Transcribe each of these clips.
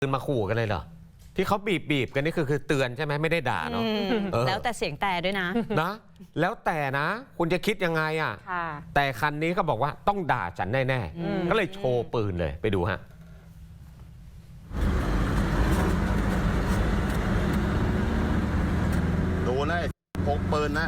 ปืนมาขู่กันเลยเหรอที่เขาบีบกันนี่คือเตือนใช่ไหมไม่ได้ด่าเนาะแล้วแต่เสียงแต่ด้วยนะแล้วแต่นะคุณจะคิดยังไงอ่ะแต่คันนี้ก็บอกว่าต้องด่าฉันแน่ๆก็เลยโชว์ปืนเลยไปดูฮะดูนะพกปืนนะ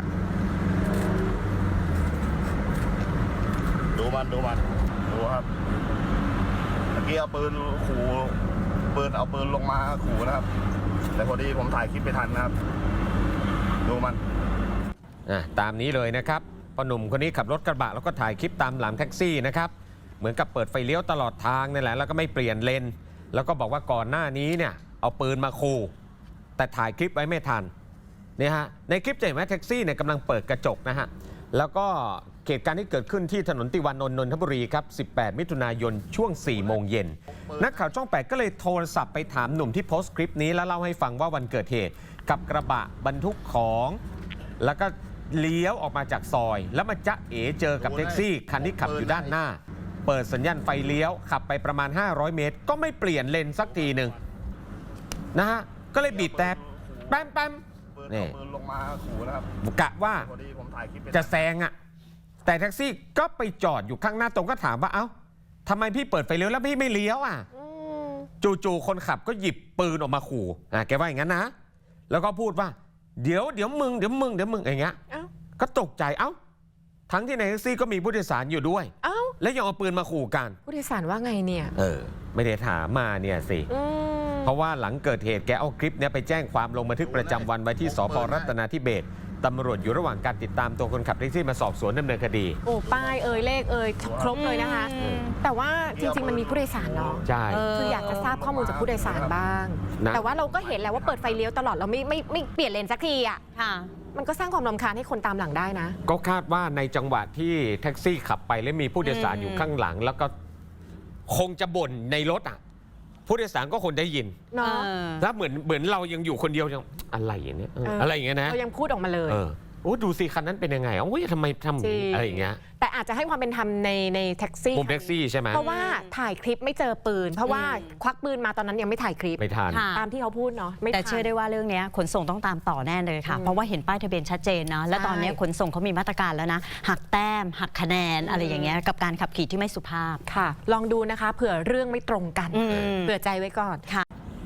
ดูครับเมื่อกี้เอาปืนขู่เอาปืนลงมาขู่นะครับแต่พอดีผมถ่ายคลิปไปทันนะครับดูมันตามนี้เลยนะครับพอหนุ่มคนนี้ขับรถกระบะแล้วก็ถ่ายคลิปตามหลังแท็กซี่นะครับเหมือนกับเปิดไฟเลี้ยวตลอดทางนี่แหละแล้วก็ไม่เปลี่ยนเลนแล้วก็บอกว่าก่อนหน้านี้เนี่ยเอาปืนมาขู่แต่ถ่ายคลิปไว้ไม่ทันเนี่ยฮะในคลิปจะเห็นว่าแท็กซี่เนี่ยกำลังเปิดกระจกนะฮะแล้วก็เหตุการณ์ที่เกิดขึ้นที่ถนนติวานนท์นนทบุรีครับ18มิถุนายนช่วง4โมงเย็นนักข่าวช่อง8ก็เลยโทรศัพท์ไปถามหนุ่มที่โพสต์คลิปนี้แล้วเล่าให้ฟังว่าวันเกิดเหตุกับกระบะบรรทุกของแล้วก็เลี้ยวออกมาจากซอยแล้วมาจ๊ะเอ๋เจอกับแท็กซี่คันที่ขับอยู่ด้านหน้าเปิดสัญญาณไฟเลี้ยวขับไปประมาณ500เมตรก็ไม่เปลี่ยนเลนสักทีหนึ่งนะฮะก็เลยบีบแต่แป๊มนี่ลงมาขู่นะครับกะว่าจะแซงอ่ะแต่แท็กซี่ก็ไปจอดอยู่ข้างหน้าตรงก็ถามว่าเอ้าทำไมพี่เปิดไฟเลี้ยวแล้วพี่ไม่เลี้ยวอ่ะจู่ๆคนขับก็หยิบปืนออกมาขู่แกว่าอย่างนั้นนะแล้วก็พูดว่าเดี๋ยวมึงอย่างเงี้ยก็ตกใจทั้งที่ในแท็กซี่ก็มีผู้โดยสารอยู่ด้วยแล้วยังเอาปืนมาขู่กันผู้โดยสารว่าไงเนี่ยไม่ได้ถามมาเนี่ยสิเพราะว่าหลังเกิดเหตุแกเอาคลิปนี้ไปแจ้งความลงบันทึกประจำวันไว้ที่สพ.รัตนาธิเบศรตำรวจอยู่ระหว่างการติดตามตัวคนขับแท็กซี่มาสอบสวนดำเนินคดีป้ายเลขครบเลยนะคะแต่ว่าจริงๆมันมีผู้โดยสารเนาะใช่คืออยากจะทราบข้อมูลจากผู้โดยสารบ้างแต่ว่าเราก็เห็นแล้วว่าเปิดไฟเลี้ยวตลอดเราไม่เปลี่ยนเลนสักทีอ่ะมันก็สร้างความรำคาญให้คนตามหลังได้นะก็คาดว่าในจังหวะที่แท็กซี่ขับไปแล้วมีผู้โดยสารอยู่ข้างหลังแล้วก็คงจะบ่นในรถผู้โดยสารก็คนได้ยินแล้วเหมือนเรายังอยู่คนเดียวยังอะไรอย่างเนี้ยอะไรอย่างเงี้ยนะเรายังพูดออกมาเลยโอ้ดูสิคันนั้นเป็นยังไงทำไมทำอะไรอย่างเงี้ยแต่อาจจะให้ความเป็นธรรมในแท็กซี่มุมแท็กซี่ใช่ไหมเพราะว่าถ่ายคลิปไม่เจอปืนเพราะว่าควักปืนมาตอนนั้นยังไม่ถ่ายคลิปไม่ทันตามที่เขาพูดเนาะแต่เชื่อได้ว่าเรื่องนี้ขนส่งต้องตามต่อแน่เลยค่ะเพราะว่าเห็นป้ายทะเบียนชัดเจนนะและตอนนี้ขนส่งเขามีมาตรการแล้วนะหักแต้มหักคะแนนอะไรอย่างเงี้ยกับการขับขี่ที่ไม่สุภาพค่ะลองดูนะคะเผื่อเรื่องไม่ตรงกันเผื่อใจไว้ก่อนค่ะ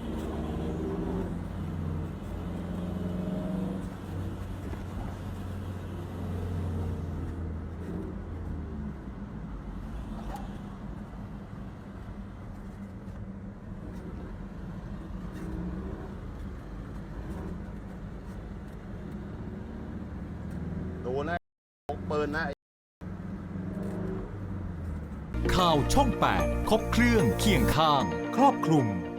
ดูนะพกปืนนะข่าวช่อง 8 ครบเครื่องเคียงข้างครอบคลุม